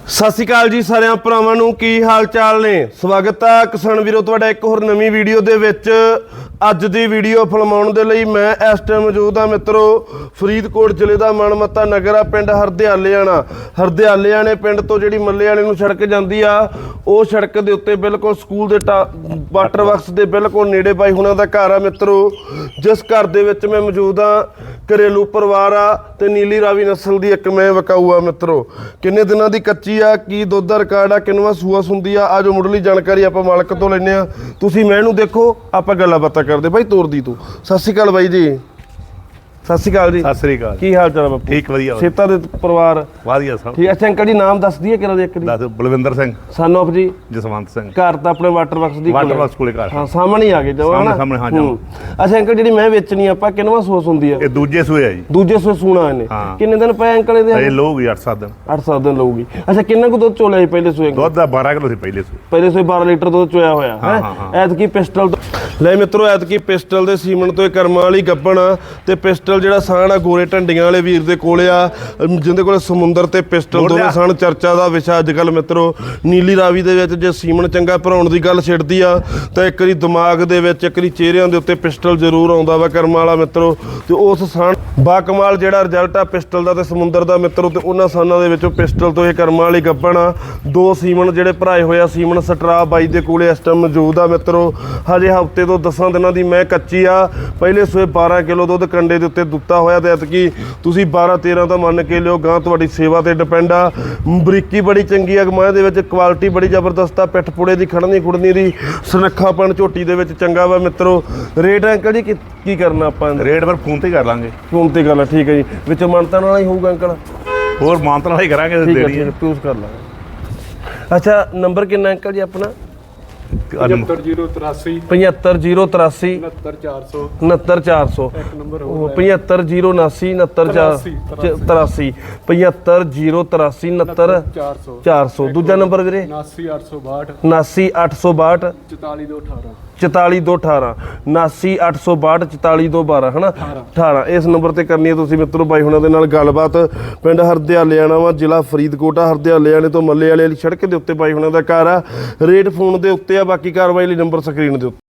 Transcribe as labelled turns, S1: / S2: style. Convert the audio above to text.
S1: ਸਤਿ ਸ਼੍ਰੀ ਅਕਾਲ ਜੀ ਸਾਰਿਆਂ ਭਰਾਵਾਂ ਨੂੰ, ਕੀ ਹਾਲ ਚਾਲ ਨੇ। ਸਵਾਗਤ ਹੈ ਕਿਸਾਨ ਵੀਰੋ ਤੁਹਾਡਾ ਇੱਕ ਹੋਰ ਨਵੀਂ ਵੀਡੀਓ ਦੇ ਵਿੱਚ। ਅੱਜ ਦੀ ਵੀਡੀਓ ਫਿਲਮਾਉਣ ਦੇ ਲਈ ਮੈਂ ਇਸ ਟਾਈਮ ਮੌਜੂਦ ਹਾਂ ਮਿੱਤਰੋ ਫਰੀਦਕੋਟ ਜ਼ਿਲ੍ਹੇ ਦਾ ਮਨਮੱਤਾ ਨਗਰ ਆ, ਪਿੰਡ ਹਰਦਿਆਲਿਆਣੇ ਪਿੰਡ ਤੋਂ ਜਿਹੜੀ ਮੱਲੇ ਵਾਲੇ ਨੂੰ ਸੜਕ ਜਾਂਦੀ ਆ, ਉਹ ਸੜਕ ਦੇ ਉੱਤੇ ਬਿਲਕੁਲ ਸਕੂਲ ਦੇ ਵਾਟਰ ਵਰਕਸ ਦੇ ਬਿਲਕੁਲ ਨੇੜੇ ਬਾਈ ਹੁਣਾਂ ਦਾ ਘਰ ਆ ਮਿੱਤਰੋ। ਜਿਸ ਘਰ ਦੇ ਵਿੱਚ ਮੈਂ ਮੌਜੂਦ ਹਾਂ, ਘਰੇਲੂ ਪਰਿਵਾਰ ਆ ਤੇ ਨੀਲੀ ਰਾਵੀ ਨਸਲ ਦੀ ਇੱਕ ਮੈਂ ਵਿਕਾਊ ਆ ਮਿੱਤਰੋ। ਕਿੰਨੇ ਦਿਨਾਂ ਦੀ ਕੱਚੀ ਆ, ਕੀ ਦੁੱਧ ਦਾ ਰਿਕਾਰਡ ਆ, ਕਿੰਨਵਾਂ ਸੂਆ ਸੁੰਦੀ ਆ, ਆਜੋ ਮੁੱਢਲੀ ਜਾਣਕਾਰੀ ਆਪਾਂ ਮਾਲਕ ਤੋਂ ਲੈਂਦੇ ਆ। ਤੁਸੀਂ ਮੈਂ ਇਹਨੂੰ ਦੇਖੋ, ਆਪਾਂ ਗੱਲਾਂ ਬਾਤਾਂ ਕਰਦੇ। ਬਾਈ ਤੋਰਦੀ ਤੂੰ। ਸਤਿ ਸ਼੍ਰੀ ਅਕਾਲ ਬਾਈ ਜੀ। ਸਤਿ ਸ਼੍ਰੀ ਅਕਾਲ ਜੀ।
S2: ਸਤਿ ਸ੍ਰੀ ਅਕਾਲ।
S1: ਕੀ ਹਾਲ ਚਾਲ ਬਾਪੂ?
S2: ਠੀਕ ਵਧੀਆ।
S1: ਸੇਤਾ ਦੇ ਪਰਿਵਾਰ
S2: ਵਧੀਆ ਸਭ
S1: ਠੀਕ। ਅੱਛਾ ਅੰਕਲ ਜੀ ਨਾਮ ਦੱਸ ਦਈਏ ਕਿਹੜਾ ਦੇ ਇੱਕ ਦੀ?
S2: ਦੱਸ। ਬਲਵਿੰਦਰ ਸਿੰਘ
S1: ਸਨ ਆਫ ਜੀ
S2: ਜਸਵੰਤ ਸਿੰਘ।
S1: ਘਰ ਤਾਂ ਆਪਣੇ ਵਾਟਰ ਵਰਕਸ ਦੀ
S2: ਵਾਟਰ ਵਰਕਸ ਕੋਲੇ ਘਰ।
S1: ਹਾਂ ਸਾਹਮਣੇ ਆ ਗਏ ਜਵਾ ਨਾ
S2: ਸਾਹਮਣੇ ਹਾਂ ਜੀ।
S1: ਅੱਛਾ ਅੰਕਲ ਜਿਹੜੀ ਮੈਂ ਵੇਚਣੀ ਆਪਾਂ ਕਿੰਨਵਾਂ ਸੋਸ ਹੁੰਦੀ ਆ?
S2: ਇਹ ਦੂਜੇ ਸੂਏ ਆ ਜੀ।
S1: ਦੂਜੇ ਸੋਏ ਸੂਣਾ ਇਹਨੇ। ਕਿੰਨੇ ਦਿਨ ਪਏ ਅੰਕਲ ਇਹਦੇ?
S2: ਇਹ ਲਊਗੀ 8-7 ਦਿਨ।
S1: 8-7 ਦਿਨ ਲਊਗੀ। ਅੱਛਾ ਕਿੰਨਾ ਕੁ ਦੁੱਧ ਚੋਲਿਆ ਸੀ ਪਹਿਲੇ ਸੋਏ?
S2: ਦੁੱਧ ਦਾ 12 ਕਿਲੋ ਸੀ ਪਹਿਲੇ ਸੂਏ।
S1: ਪਹਿਲੇ ਸੋਏ 12 ਲੀਟਰ ਦੁੱਧ ਚੋਇਆ ਹੋਇਆ ਹੈ। ਐਤਕੀ ਪਿਸਟਲ ਲੈ ਮਿੱਤਰੋ, ਐਤਕੀ ਪਿਸਟਲ ਦੇ ਸੀਮਨ ਤੋਂ ਇਹ ਕਰਮਾਂ ਵਾਲੀ ਗੱਬਣ ਆ ਤੇ ਪਿਸਟਲ ਜਿਹੜਾ ਸਾਣ ਆ ਗੋਰੇ ਢੰਡੀਆਂ ਵਾਲੇ ਵੀਰ ਦੇ ਕੋਲੇ ਆ, ਜਿੰਦੇ ਕੋਲੇ ਸਮੁੰਦਰ ਤੇ ਪਿਸਟਲ ਦੋਵੇਂ ਸਾਣ। ਚਰਚਾ ਦਾ ਵਿਸ਼ਾ ਅੱਜ ਕੱਲ ਮਿੱਤਰੋ ਨੀਲੀ ਰਾਵੀ ਦੇ ਵਿੱਚ ਜੇ ਸੀਮਨ ਚੰਗਾ ਭਰਾਉਣ ਦੀ ਗੱਲ ਛਿੜਦੀ ਆ ਤਾਂ ਇੱਕ ਵਾਰੀ ਦਿਮਾਗ ਦੇ ਵਿੱਚ, ਇੱਕ ਵਾਰੀ ਚਿਹਰਿਆਂ ਦੇ ਉੱਤੇ ਪਿਸਟਲ ਜ਼ਰੂਰ ਆਉਂਦਾ ਵਾ ਕਰਮਾਂ ਵਾਲਾ ਮਿੱਤਰੋ। ਤੇ ਉਸ ਸਾਣ ਬਾ ਕਮਾਲ ਜਿਹੜਾ ਰਿਜ਼ਲਟ ਆ ਪਿਸਟਲ ਦਾ ਤੇ ਸਮੁੰਦਰ ਦਾ ਮਿੱਤਰੋ, ਤੇ ਉਹਨਾਂ ਸਾਨਾਂ ਦੇ ਵਿੱਚੋਂ ਪਿਸਟਲ ਤੋਂ ਇਹ ਕਰਮਾਂ ਵਾਲੀ ਗੱਬਣ ਆ। ਦੋ ਸੀਮਨ ਜਿਹੜੇ ਭਰਾਏ ਹੋਇਆ, ਸੀਮਨ ਸਟਰਾ ਬਾਈ ਦੇ ਕੋਲੇ ਇਸ ਟਾਈਮ ਮੌਜੂਦ ਆ ਮਿੱਤਰੋ। ਹਜੇ ਹਫ਼ਤੇ ਤੋਂ 10 ਦਿਨਾਂ ਦੀ ਮੈਂ ਕੱਚੀ ਆ। ਪਹਿਲੇ ਸੋਏ 12 ਕਿਲੋ ਦੁੱਧ ਕੰਡੇ ਦੇ ਉੱਤੇ ਦਿੱਤਾ ਹੋਇਆ ਤੇ ਐਤਕੀ ਤੁਸੀਂ 12-13 ਤਾਂ ਮੰਨ ਕੇ ਲਿਓ। ਗਾਂ ਤੁਹਾਡੀ ਸੇਵਾ ਤੇ ਡਿਪੈਂਡ ਆ। ਬਰੀਕੀ ਬੜੀ ਚੰਗੀ ਆ ਮਾਂ ਦੇ ਵਿੱਚ, ਕੁਆਲਿਟੀ ਬੜੀ ਜ਼ਬਰਦਸਤ ਆ। ਪਿੱਠ ਪੁੜੇ ਦੀ, ਖੜਨੀ ਖੁੜਨੀ ਦੀ, ਸੁਨੱਖਾਪਣ ਝੋਟੀ ਦੇ ਵਿੱਚ ਚੰਗਾ ਵਾ ਮਿੱਤਰੋ। ਰੇਟ ਅੰਕਲ ਜੀ ਕੀ ਕਰਨਾ ਆਪਾਂ?
S2: ਰੇਟ ਪਰ ਫੋਨ ਤੇ ਕਰ ਲਾਂਗੇ।
S1: ਫੋਨ ਤੇ ਗੱਲ ਆ, ਠੀਕ ਹੈ ਜੀ। ਵਿੱਚ ਮਾਨਤਾ ਨਾਲ ਹੀ ਹੋਊਗਾ ਅੰਕਲ?
S2: ਹੋਰ ਮਾਨਤਾ ਨਾਲ ਹੀ ਕਰਾਂਗੇ।
S1: ਦੇਣੀ ਹੈ ਚੂਜ਼ ਕਰ ਲਾਂਗੇ। ਅੱਛਾ ਨੰਬਰ ਕਿੰਨਾ ਅੰਕਲ ਜੀ ਆਪਣਾ?
S3: 75083
S1: 75083
S3: 69400
S1: 69400
S3: ਇੱਕ ਨੰਬਰ
S1: 75079 69483 75083 69400 ਦੂਜਾ ਨੰਬਰ ਵੀਰੇ
S3: 79862
S1: 79862
S3: 44218
S1: 44218 79862 44212 ਹਨਾ 18। ਇਸ ਨੰਬਰ ਤੇ ਕਰਨੀ ਹੈ ਤੁਸੀਂ ਮਿੱਤਰੋ ਬਾਈ ਹੁਣਾਂ ਦੇ ਨਾਲ ਗੱਲਬਾਤ। ਪਿੰਡ ਹਰਦਿਆਲਿਆਣਾ ਵਾ, ਜ਼ਿਲ੍ਹਾ ਫਰੀਦਕੋਟ ਆ। ਹਰਦਿਆਲਿਆਣੇ ਤੋਂ ਮੱਲੇ ਵਾਲੇ ਵਾਲੀ ਸੜਕ ਦੇ ਉੱਤੇ ਬਾਈ ਹੁਣਾਂ ਦਾ ਘਰ ਆ। ਰੇਟ ਫੋਨ ਦੇ ਉੱਤੇ ਆ, ਬਾਕੀ ਕਾਰਵਾਈ ਲਈ ਨੰਬਰ ਸਕਰੀਨ ਦੇ ਉੱਤੇ।